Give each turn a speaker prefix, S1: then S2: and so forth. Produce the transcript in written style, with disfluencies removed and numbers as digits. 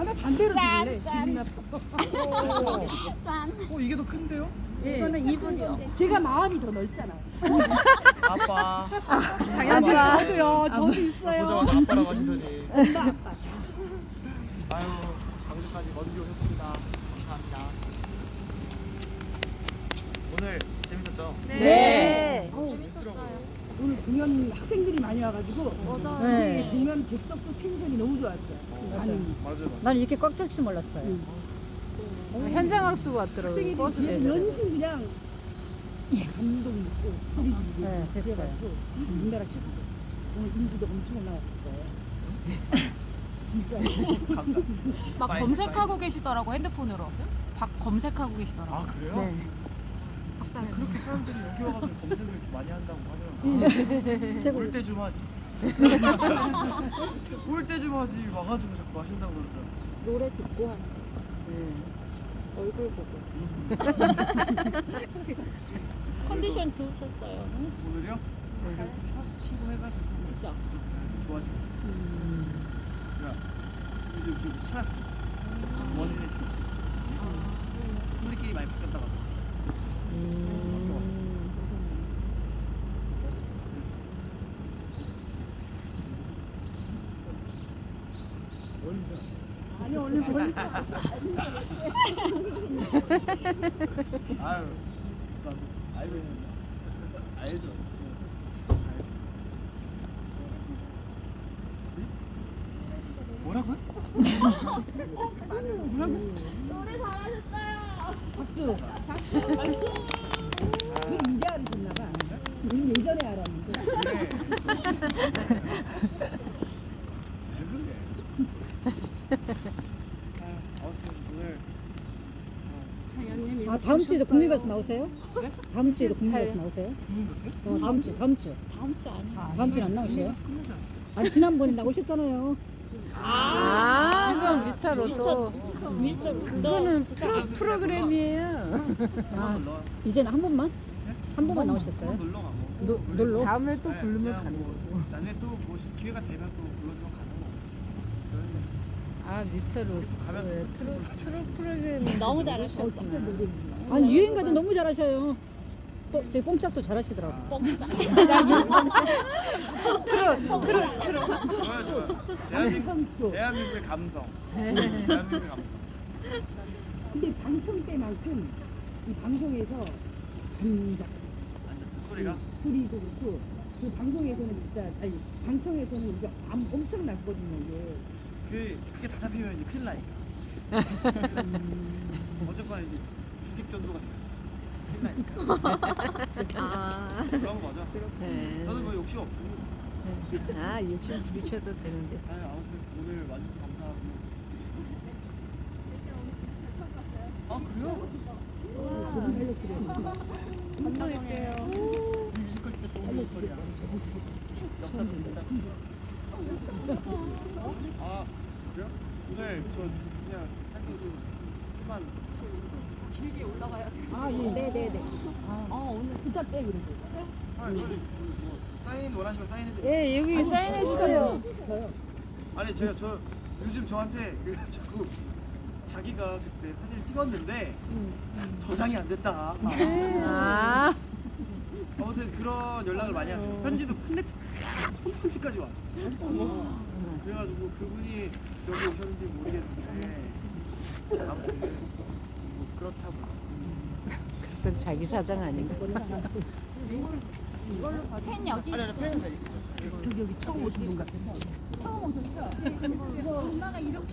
S1: 아, 나 반대로 들을래.
S2: 짠.
S1: 기분 나빠.
S2: 짠.
S3: 이게 더 큰데요?
S1: 예.
S2: 이거는 2분이요.
S1: 제가 마음이 더 넓잖아요.
S3: 아빠.
S1: 장난감 저도요. 저도 있어요.
S3: 보자마자 아빠라고 하시더니.
S1: 엄마 아빠.
S3: 아유, 광주까지 먼 길 오셨습니다. 감사합니다. 오늘 재밌었죠?
S2: 네.
S1: 오늘 공연 학생들이 많이 와가지고
S4: 네.
S1: 공연 객석도 텐션이 너무 좋았어요.
S3: 맞아요.
S4: 난 이렇게 꽉 찰 줄 몰랐어요.
S5: 현장 학습 왔더라고요.
S1: 학생들이
S5: 버스
S1: 그냥
S5: 대전.
S1: 연신 그냥 감동 있고 소리 지르고
S4: 네, 됐어요.
S1: 그래가지고 우리나라 최고죠. 오늘 인기도 엄청 올라왔을 거예요. 진짜.
S3: 감사합니다.
S6: 막 검색하고 계시더라고 핸드폰으로. 박 검색하고 계시더라고.
S3: 아, 그래요?
S4: 네.
S3: 그렇게 사람들이 여기 와가지고 검색을 이렇게 많이 한다고 하면
S4: 최고.
S3: 올 때 좀 하지. 올 때 좀 하지. 와가지고 자꾸 하신다고 그러더라고요.
S2: 노래 듣고 하는 얼굴 보고. 컨디션 좋으셨어요.
S3: 오늘요? 좀 쉬고 해가지고
S2: 그죠?
S3: 좋아지고 있어요. 그래, 요즘 좀 찾았어. 원인을 우리끼리 많이 바뀌었다가.
S1: 아니 오늘 멀리
S3: 아유, 난 알고 있는데. 알죠. 뭐라고요? 뭐라고?
S2: 노래 잘하셨어요.
S1: 박수.
S2: 박수.
S1: 우리 이제 알으셨나봐. 우리 예전에 알았는데.
S3: 그래. 왜 그래? 아무튼 오늘
S1: 차연님
S4: 아, 다음 주에도 국민가수 나오세요? 다음 주에도 국민가수 나오세요?
S3: 국민가수요?
S4: 다음 주.
S2: 다음 주 아니에요?
S4: 다음 주는 안 나오세요? 아니, 지난번에 나오셨잖아요.
S5: 아, 그건 미스터 로또.
S2: 미스터
S5: 그거는 프로그램이에요.
S4: 아,
S3: 놀러 와.
S4: 이제는 한 번만? 한 번만 나오셨어요?
S3: 한번 놀러 가고.
S4: 놀러?
S5: 다음에 또
S3: 네,
S5: 부르면
S3: 그냥
S5: 가는
S3: 뭐
S5: 거고.
S3: 나중에 또 뭐 기회가 되면 또 불러주면 가는 거고. 그런데
S5: 아, 미스터 로또.
S3: 가면
S5: 네, 트로 프로그램
S2: 너무 잘하셨어.
S1: 진짜 노래.
S4: 아니, 유행가도 너무 잘하셔요. 또, 제 뽕짝도 잘하시더라고.
S2: 뻥짜.
S5: 트로.
S3: 좋아요, 좋아요. 대한민국의 감성. 대한민국의 감성.
S1: 근데 방청 때만큼 이 방송에서 감정
S3: 완전 그 소리가.
S1: 소리도 그렇고 그 방송에서는 진짜 아니 방청에서는 이게 엄청 났거든요 이게.
S3: 그게 다 잡히면 이제 큰일 나니까. 어쨌거나 이제 죽입 전도가 되잖아요. 큰일 나니까.
S2: 아.
S3: 그런 거죠.
S5: 네.
S3: 저는 뭐 욕심 없습니다.
S5: 아, 욕심 부리셔도 되는데.
S3: 아무튼 오늘 와주셔서 감사하고. 아, 그래요?
S1: 감사할게요.
S3: 이 뮤지컬 진짜 좋은 뮤지컬이야. 역사도 있다. 아, 그래요? 오늘 저 그냥 짧게 좀 그만 길게 올라가야 돼.
S1: 아 예.
S2: 네네네.
S1: 오늘 부탁 때 그래도.
S3: 뭐 사인 원하시면 사인해드릴게요.
S5: 예, 여기 사인해 주세요.
S1: 저요.
S3: 아니 저 요즘 저한테 그 자꾸 자기가 그때 사진을 찍었는데 저장이 안 됐다.
S5: 아,
S3: 아무튼 그런 연락을 많이 하세요. 편지도 편지까지 와. 그래가지고 그분이 여기 오셨는지 모르겠는데 아무튼 뭐 그렇다고.
S5: 그건 자기 사정 아닌가?
S2: 팬 여기.
S3: 아니 팬은 다 있어.
S1: 저기 여기 처음 오신 분 같아서. 처음 오셨죠? 엄마가 이렇게.